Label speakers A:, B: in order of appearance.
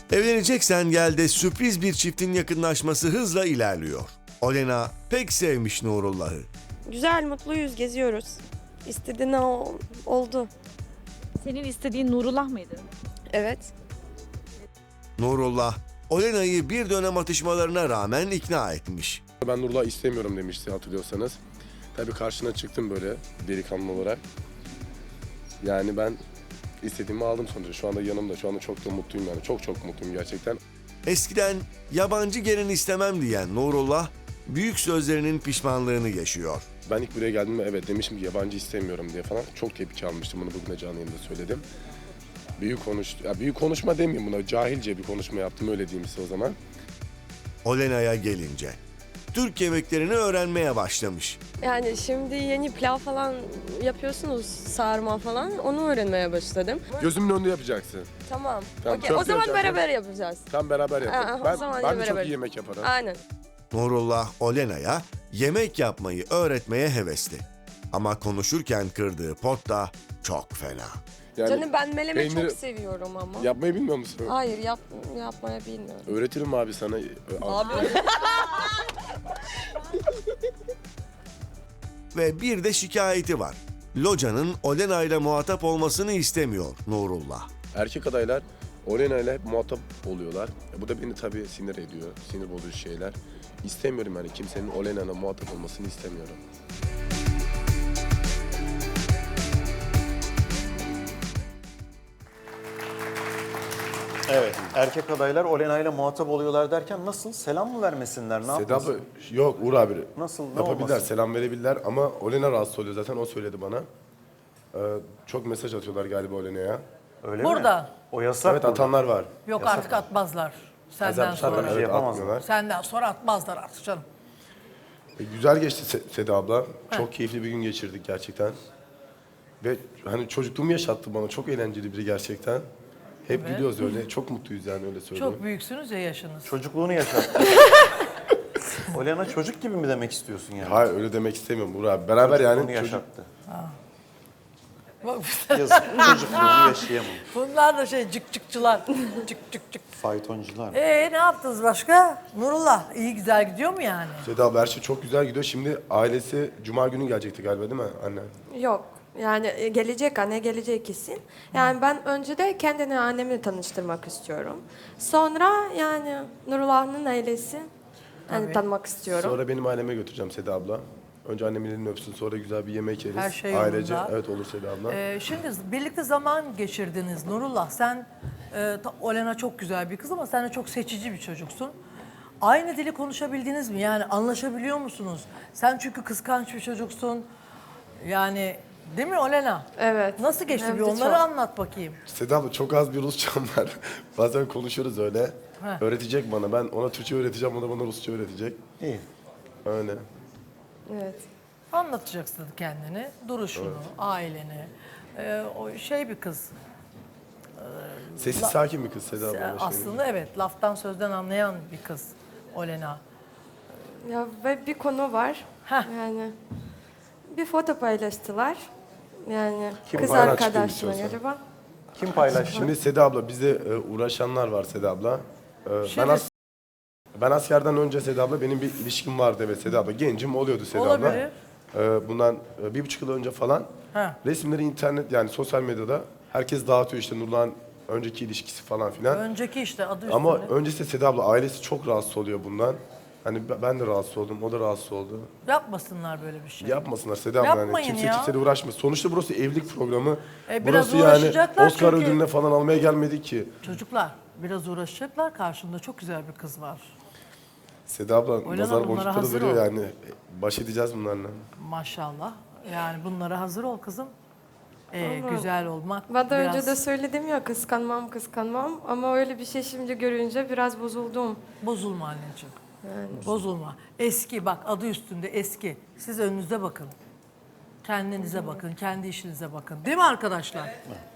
A: Evleneceksen Gel'de sürpriz bir çiftin yakınlaşması hızla ilerliyor. Olena pek sevmiş Nurullah'ı.
B: Güzel, mutluyuz, geziyoruz. İstediğin oldu.
C: Senin istediğin Nurullah mıydı?
B: Evet.
A: Nurullah, Olena'yı bir dönem atışmalarına rağmen ikna etmiş.
D: Ben Nurullah istemiyorum demişti hatırlıyorsanız. Tabii karşına çıktım böyle delikanlı olarak. Yani ben istediğimi aldım sonuçta. Şu anda yanımda. Şu anda çok da mutluyum yani. Çok çok mutluyum gerçekten.
A: Eskiden yabancı gelin istemem diyen Nurullah, büyük sözlerinin pişmanlığını yaşıyor.
D: Ben ilk buraya geldiğimde evet demişim ki yabancı istemiyorum diye falan. Çok tepki almıştım. Bunu bugün de canlı yayında söyledim. Büyük konuşma demeyeyim buna. Cahilce bir konuşma yaptım öyle diyeyim size o zaman.
A: Olena'ya gelince, Türk yemeklerini öğrenmeye başlamış.
B: Yani şimdi yeni pilav falan yapıyorsunuz, sarma falan. Onu öğrenmeye başladım.
D: Gözümün önünde yapacaksın.
B: Tamam.
D: Tamam,
B: Okey,
D: çok
B: o zaman
D: yapacaksın.
B: beraber yapacağız.
D: Tam beraber yapalım.
B: o zaman
D: Ben de çok
B: beraber.
D: iyi yemek yaparım.
B: Aynen.
A: Nurullah, Olena'ya yemek yapmayı öğretmeye hevesli. Ama konuşurken kırdığı pot da çok fena.
D: Yani
B: Canım ben meleme
D: peyniri-
B: çok seviyorum ama.
D: yapmayı bilmiyor musun?
B: Hayır, yapmaya bilmiyorum.
D: Öğretirim abi sana.
B: Abi.
A: Ve bir de şikayeti var. Loca'nın Olena ile muhatap olmasını istemiyor Nurullah.
D: Erkek adaylar Olena ile hep muhatap oluyorlar. Bu da beni tabii sinir ediyor. Sinir bozucu şeyler. İstemiyorum yani kimsenin Olena ile muhatap olmasını istemiyorum.
E: Evet. Erkek adaylar Olena ile muhatap oluyorlar derken nasıl? Selam mı vermesinler? Ne
D: Seda
E: yapmasın?
D: abla, yok Uğur abi.
E: Nasıl? Ne
D: Yapabilirler,
E: olmasın?
D: selam verebilirler ama Olena rahatsız oluyor zaten o söyledi bana. Çok mesaj atıyorlar galiba Olena'ya.
E: Öyle
F: Burada.
E: mi? O yasak
D: Evet
E: burada.
D: atanlar var.
F: Yok artık atmazlar. Senden
E: Zaten
F: sonra.
E: bir şey
D: Evet,
E: yapamazlar.
D: atmıyorlar.
F: Senden sonra atmazlar artık canım.
D: Güzel geçti Seda abla. Çok keyifli bir gün geçirdik gerçekten. Ve hani çocukluğumu yaşattı bana. Çok eğlenceli biri gerçekten. Hep
F: Evet.
D: gülüyoruz öyle. Çok mutluyuz yani öyle söyleyeyim.
F: Çok büyüksünüz ya yaşınız.
E: Çocukluğunu yaşattı. Olena çocuk gibi mi demek istiyorsun yani?
D: Hayır öyle demek istemiyorum Uğur abi. Beraber
E: Çocukluğunu
D: yani çocuk...
E: yaşattı.
F: Bak,
E: Yazık çocukluğunu yaşayamam.
F: bunlar da cık cıkçılar. Cık cık cık.
E: Faytoncular.
F: Ne yaptınız başka? Nurullah iyi güzel gidiyor mu yani?
D: Seda abla her şey çok güzel gidiyor. Şimdi ailesi Cuma günü gelecekti galiba değil mi anne?
B: Yok. Yani gelecek, anne gelecek kesin. Yani ben önce de kendini annemle tanıştırmak istiyorum. Sonra yani Nurullah'ın ailesi yani tanımak istiyorum.
D: Sonra benim aileme götüreceğim Seda abla. Önce annemin elini öpsün sonra güzel bir yemek yeriz.
F: Her şey
D: Ailece.
F: yolunda.
D: Evet olur Seda abla.
F: Şimdi birlikte zaman geçirdiniz Nurullah. Sen, Olena çok güzel bir kız ama sen de çok seçici bir çocuksun. Aynı dili konuşabildiniz mi? Yani anlaşabiliyor musunuz? Sen çünkü kıskanç bir çocuksun. Yani değil mi Olena?
B: Evet.
F: Nasıl geçti
B: Hem
F: bir
B: de
F: onları
B: çok.
F: anlat bakayım.
D: Seda abla çok az bir Rusçam var. Bazen konuşuyoruz öyle.
F: Heh.
D: Öğretecek bana. Ben ona Türkçe öğreteceğim, o da bana Rusça öğretecek.
E: İyi.
D: Öyle.
B: Evet.
F: Anlatacaksın kendini, duruşunu, aileni. O bir kız.
D: Sessiz sakin bir kız Seda abla. öyle şey.
F: Aslında evet, laftan sözden anlayan bir kız Olena.
B: Ya ve bir konu var.
F: Heh.
B: Yani bir foto paylaştılar. Yani
E: Kim
B: kız
D: paylaştı
B: arkadaşına
D: istiyorsan?
B: galiba.
E: Kim paylaştı?
D: Şimdi Seda abla bize uğraşanlar var Seda abla.
F: Şimdi-
D: Ben askerden önce Seda abla benim bir ilişkim vardı evet Seda abla. Gencim oluyordu Seda abla.
F: Olabilir.
D: Bundan 1,5 yıl önce falan
F: Ha.
D: resimleri internet yani sosyal medyada herkes dağıtıyor işte Nurlan önceki ilişkisi falan filan.
F: Önceki işte adı üstünde.
D: Ama öncesinde Seda abla ailesi çok rahatsız oluyor bundan. Hani ben de rahatsız oldum, o da rahatsız oldu.
F: Yapmasınlar böyle bir şey.
D: Yapmasınlar Seda abla yani
F: Yapmayın
D: kimse
F: ya.
D: kimseyle uğraşmasın. Sonuçta burası evlilik programı.
F: Biraz
D: Burası yani
F: uğraşacaklar
D: Oscar
F: çünkü-
D: ödülüne falan almaya gelmedik ki.
F: Çocuklar biraz uğraşacaklar. Karşında çok güzel bir kız var.
D: Seda abla
F: Oynama,
D: nazar
F: bunlara
D: boncukları
F: hazır
D: veriyor
F: ol.
D: yani. Baş edeceğiz bunlarla.
F: Maşallah. Yani bunlara hazır ol kızım.
B: Ama
F: Güzel olmak
B: Ben de
F: biraz...
B: önce de söyledim ya kıskanmam ama öyle bir şey şimdi görünce biraz bozuldum.
F: Bozulma anneciğim. Bozulma. Eski bak adı üstünde eski. Siz önünüze bakın. Kendinize bakın, kendi işinize bakın. Değil mi arkadaşlar?